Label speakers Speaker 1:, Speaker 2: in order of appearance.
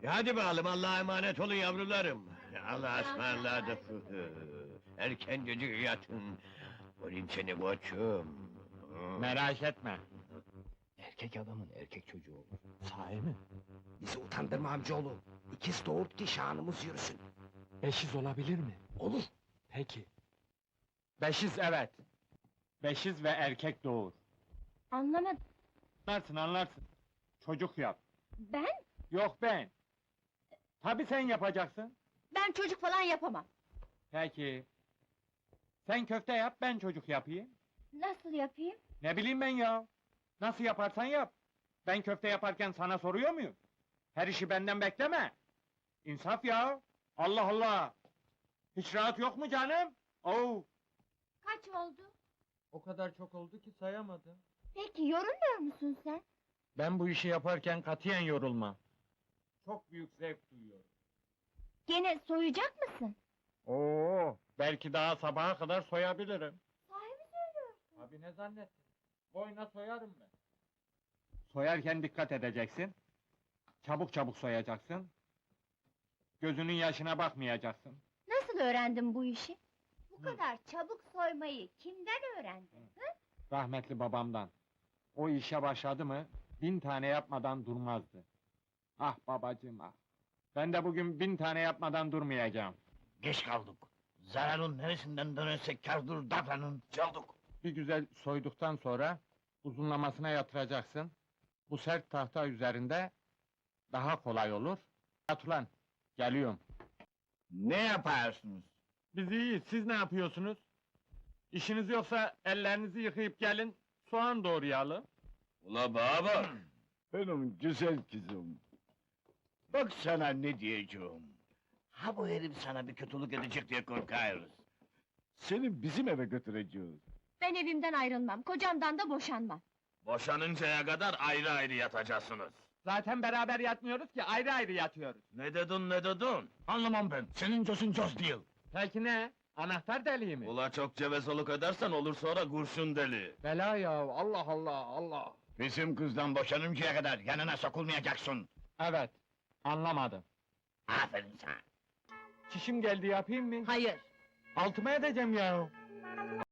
Speaker 1: Hadi bakalım, Allah'a emanet olun yavrularım. Allah'a ısmarladık. Erkencecik yatın. Olayım seni koçum.
Speaker 2: Merak etme.
Speaker 3: Erkek adamın erkek çocuğu olur.
Speaker 2: Sahi mi?
Speaker 3: Bizi utandırma amcaoğlu. İkiz doğurt ki şanımız yürüsün.
Speaker 2: Beşiz olabilir mi?
Speaker 3: Olur.
Speaker 2: Peki. Beşiz evet. Beşiz ve erkek doğur.
Speaker 4: Anlamadım.
Speaker 2: Anlarsın. Çocuk yap.
Speaker 4: Ben?
Speaker 2: Yok ben. Tabii sen yapacaksın.
Speaker 4: Ben çocuk falan yapamam.
Speaker 2: Peki. Sen köfte yap, ben çocuk yapayım.
Speaker 4: Nasıl yapayım?
Speaker 2: Ne bileyim ben ya. Nasıl yaparsan yap. Ben köfte yaparken sana soruyor muyum? Her işi benden bekleme. İnsaf ya. Allah Allah. Hiç rahat yok mu canım? Oo.
Speaker 4: Kaç oldu?
Speaker 2: O kadar çok oldu ki sayamadım.
Speaker 4: Peki yorulmuyor musun sen?
Speaker 2: Ben bu işi yaparken katiyen yorulmam. Çok büyük zevk duyuyorum.
Speaker 4: Gene soyacak mısın?
Speaker 2: Oo, belki daha sabaha kadar soyabilirim.
Speaker 4: Sahi mi söylüyorsun?
Speaker 2: Abi ne zannettin? Boyuna soyarım ben. Soyarken dikkat edeceksin. Çabuk çabuk soyacaksın. Gözünün yaşına bakmayacaksın.
Speaker 4: Nasıl öğrendin bu işi? Bu kadar çabuk soymayı kimden öğrendin?
Speaker 2: Rahmetli babamdan. O işe başladı mı, 1000 tane yapmadan durmazdı. Ah babacığım ah! Ben de bugün 1000 tane yapmadan durmayacağım.
Speaker 1: Geç kaldık. Zararın neresinden dönersek kârdır davranın. Çaldık.
Speaker 2: Bir güzel soyduktan sonra, uzunlamasına yatıracaksın. Bu sert tahta üzerinde, daha kolay olur. At ulan, geliyorum.
Speaker 1: Ne yaparsınız?
Speaker 2: Biz iyiyiz, siz ne yapıyorsunuz? İşiniz yoksa ellerinizi yıkayıp gelin, soğan doğrayalım.
Speaker 1: Ula baba! Benim güzel kızım. Bak sana ne diyeceğim. Ha bu herif sana bir kötülük edecek diye korkarız. Seni bizim eve götüreceğiz.
Speaker 4: Ben evimden ayrılmam, kocamdan da boşanmam.
Speaker 5: Boşanıncaya kadar ayrı ayrı yatacaksınız.
Speaker 2: Zaten beraber yatmıyoruz ki, ayrı ayrı yatıyoruz.
Speaker 5: Ne dedin ne dedin?
Speaker 1: Anlamam ben, senin cosun cos değil.
Speaker 2: Peki ne? Anahtar deliği mi?
Speaker 5: Ula çok cevezoluk edersen olur sonra kurşun deli.
Speaker 2: Bela ya, Allah Allah, Allah!
Speaker 1: Bizim kızdan boşanıncaya kadar yanına sokulmayacaksın.
Speaker 2: Evet, anlamadım.
Speaker 1: Aferin sana.
Speaker 2: Çişim geldi, yapayım mı?
Speaker 4: Hayır.
Speaker 2: Altıma edeceğim ya!